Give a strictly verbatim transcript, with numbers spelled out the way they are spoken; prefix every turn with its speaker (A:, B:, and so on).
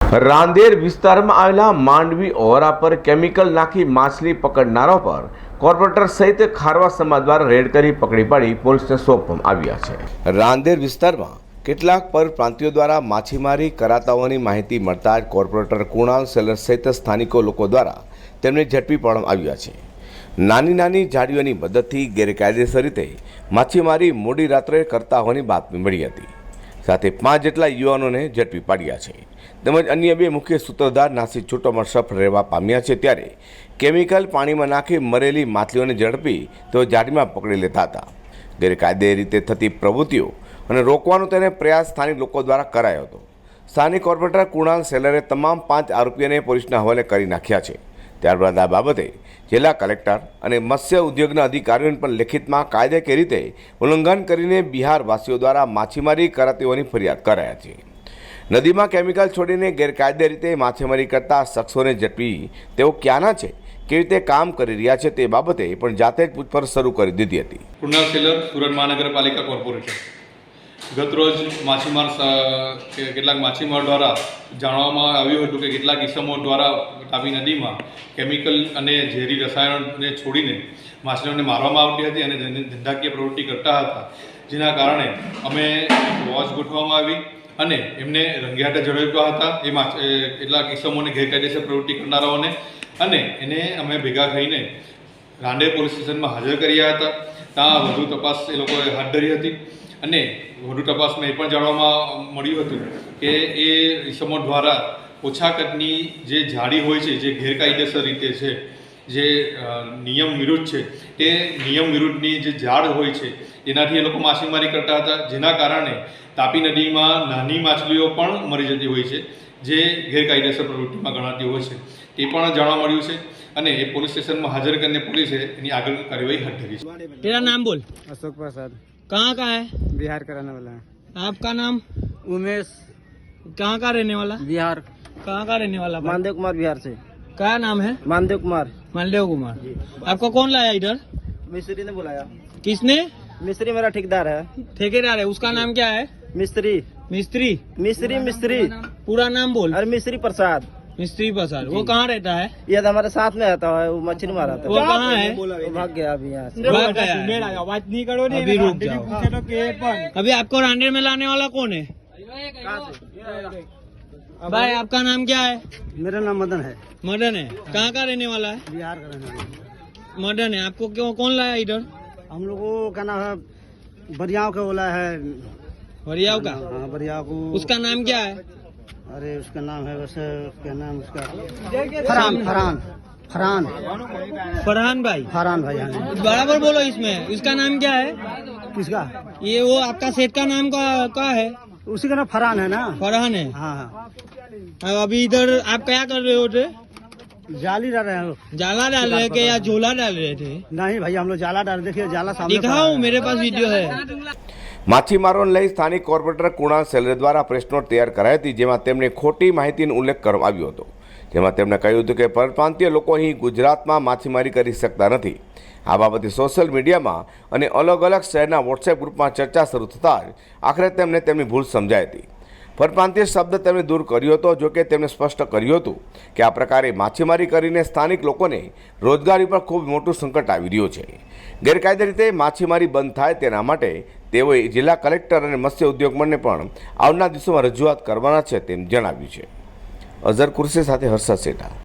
A: રાંદેર વિસ્તારમાં આવેલા માંડવી ઓવરા પર કેમિકલ નાખી માછલી પકડનારો પર કોર્પોરેટર સહિત ખારવા સમાજ દ્વારા રેડ કરી પકડી પાડી પોલીસને સોંપવામાં આવ્યા છે। રાંદેર વિસ્તારમાં કેટલાક પરપ્રાંતિયો દ્વારા માછીમારી કરાતા હોવાની માહિતી મળતા જ કોર્પોરેટર કુણાલ સેલર સહિત સ્થાનિકો લોકો દ્વારા તેમને ઝડપી પાડવામાં આવ્યા છે। નાની નાની જાળીઓની મદદથી ગેરકાયદેસર રીતે માછીમારી મોડી રાત્રે કરતા હોવાની બાતમી મળી હતી। સાથે પાંચ જેટલા યુવાનોને ઝડપી પાડ્યા છે તેમજ અન્ય બે મુખ્ય સૂત્રધાર નાસી છૂટોમાં સફળ રહેવા પામ્યા છે। ત્યારે કેમિકલ પાણીમાં નાખી મરેલી માછલીઓને ઝડપી તેઓ જાળીમાં પકડી લેતા હતા। ગેરકાયદે રીતે થતી પ્રવૃત્તિઓ અને રોકવાનો તેને પ્રયાસ સ્થાનિક લોકો દ્વારા કરાયો હતો। સ્થાનિક કોર્પોરેટર કુણાલ સેલરે તમામ પાંચ આરોપીઓને પોલીસના હવાલે કરી નાખ્યા છે। ત્યારબાદ આ બાબતે જિલ્લા કલેક્ટર અને મત્સ્ય ઉદ્યોગના અધિકારીઓને પણ લેખિતમાં કાયદેકીય રીતે ઉલ્લંઘન કરીને બિહારવાસીઓ દ્વારા માછીમારી કરાતી હોવાની ફરિયાદ કરાયા છે। નદીમાં કેમિકલ છોડીને ગેરકાયદે રીતે માછીમારી કરતા શખ્સોને ઝડપી તેઓ ક્યાંના છે, કેવી રીતે કામ કરી રહ્યા છે તે બાબતે પણ જાતે જ પૂછપરછ શરૂ કરી દીધી હતી।
B: કુણાલ સેલર, સુરત મહાનગરપાલિકા કોર્પોરેટર। ગતરોજ માછીમાર કેટલાક માછીમાર દ્વારા જાણવામાં આવ્યું હતું કે કેટલાક ઇસમો દ્વારા તાપી નદીમાં કેમિકલ અને ઝેરી રસાયણોને છોડીને માછલીઓને મારવામાં આવતી હતી અને ધંધાકીય પ્રવૃત્તિ કરતા હતા, જેના કારણે અમે વોચ ગોઠવવામાં આવી અને એમને રંગેહાથે ઝડપ્યા હતા। એ માછ કેટલાક ઇસમોને ગેરકાયદેસર પ્રવૃત્તિ કરનારાઓને અને એને અમે ભેગા થઈને રાંદેર પોલીસ સ્ટેશનમાં હાજર કર્યા હતા। ત્યાં વધુ તપાસ એ લોકોએ હાથ ધરી હતી અને વધુ તપાસમાં એ પણ જાણવામાં મળ્યું હતું કે એ ઇસમો દ્વારા ઓછા કદની જે જાળી હોય છે, જે ગેરકાયદેસર રીતે છે, જે નિયમ વિરુદ્ધ છે, તે નિયમ વિરુદ્ધની જે ઝાડ હોય છે એનાથી એ લોકો માછીમારી કરતા હતા, જેના કારણે તાપી નદીમાં નાની માછલીઓ પણ મરી જતી હોય છે, જે ગેરકાયદેસર પ્રવૃત્તિમાં ગણાતી હોય છે, તે પણ જાણવા મળ્યું છે અને એ પોલીસ સ્ટેશનમાં હાજર કરીને પોલીસે એની આગળ કાર્યવાહી હાથ ધરી છે।
C: तेरा नाम बोल।
D: अशोक प्रसाद।
C: कहाँ का है?
D: बिहार का रहने वाला है।
C: आपका नाम?
D: उमेश।
C: कहाँ का रहने वाला?
D: बिहार।
C: कहाँ का रहने वाला?
D: मानदेव कुमार, बिहार से।
C: क्या नाम है?
D: मानदेव कुमार।
C: मालदेव कुमार। आपको कौन लाया इधर?
D: मिस्त्री ने बुलाया।
C: किसने?
D: मिस्त्री मेरा ठेकेदार है।
C: ठेकेदार है, उसका नाम क्या है?
D: मिस्त्री।
C: मिस्त्री।
D: मिस्त्री मिस्त्री
C: पूरा नाम बोल।
D: अरे मिस्त्री प्रसाद।
C: मिस्त्री प्रसाद। वो कहाँ रहता है?
D: ये हमारे साथ में रहता है, वो मछली मारा था।
C: वो कहाँ है?
D: वो भाग गया अभी यहाँ से।
C: भाग गया है।
D: बात नहीं करो,
C: अभी रुक जाओ। अभी आपको रांडेर में लाने वाला कौन है? भाई आपका नाम क्या है?
D: मेरा नाम मदन है।
C: मदन है। कहाँ का रहने वाला है?
D: बिहार का रहने वाला है।
C: मदन है। आपको क्यों कौन लाया इधर?
D: हम लोग को क्या नाम है, बरियाव का बोला है।
C: हरियाव का?
D: हाँ, बरियाव को।
C: उसका नाम क्या है?
D: अरे उसका नाम है वैसे, क्या नाम उसका, फरहान। फरहान फरहान
C: फरहान भाई।
D: फरहान भाई। हाँ।
C: बराबर बोलो इसमें। इसका नाम क्या है?
D: किसका?
C: ये वो आपका सेठ का नाम का क्या है?
D: उसी का नाम फरहान है ना।
C: फरहान है।
D: हाँ हाँ।
C: अब अभी इधर आप क्या कर रहे हो थे?
D: जाली डाल रहे हैं।
C: जाला डाल रहे थे या झोला डाल रहे थे?
D: नहीं भाई, हम लोग जाला डाल, देखिए जाला सामने
C: दिखाओ, मेरे पास वीडियो है।
A: માછીમારોને લઈ સ્થાનિક કોર્પોરેટર કુણાલ સેલર દ્વારા પ્રેસ નોટ તૈયાર કરાઈ હતી, જેમાં તેમણે ખોટી માહિતીનો ઉલ્લેખ કરવામાં આવ્યો હતો। જેમાં તેમણે કહ્યું હતું કે પરપ્રાંતીય લોકો અહીં ગુજરાતમાં માછીમારી કરી શકતા નથી। આ બાબતે સોશિયલ મીડિયામાં અને અલગ અલગ શહેરના વોટ્સએપ ગ્રુપમાં ચર્ચા શરૂ થતાં જ આખરે તેમને તેમની ભૂલ સમજાઈ હતી। પરપ્રાંતીય શબ્દ તેમણે દૂર કર્યો હતો, જોકે તેમણે સ્પષ્ટ કર્યું હતું કે આ પ્રકારે માછીમારી કરીને સ્થાનિક લોકોને રોજગારી પર ખૂબ મોટું સંકટ આવી રહ્યું છે। ગેરકાયદે રીતે માછીમારી બંધ થાય તેના માટે તેઓએ જિલ્લા કલેક્ટર અને મત્સ્ય ઉદ્યોગ મંત્રીને પણ આવનાર દિવસોમાં રજૂઆત કરવાના છે તેમ જણાવ્યું છે। અઝર કુર્સી સાથે હર્ષદ સેઠા।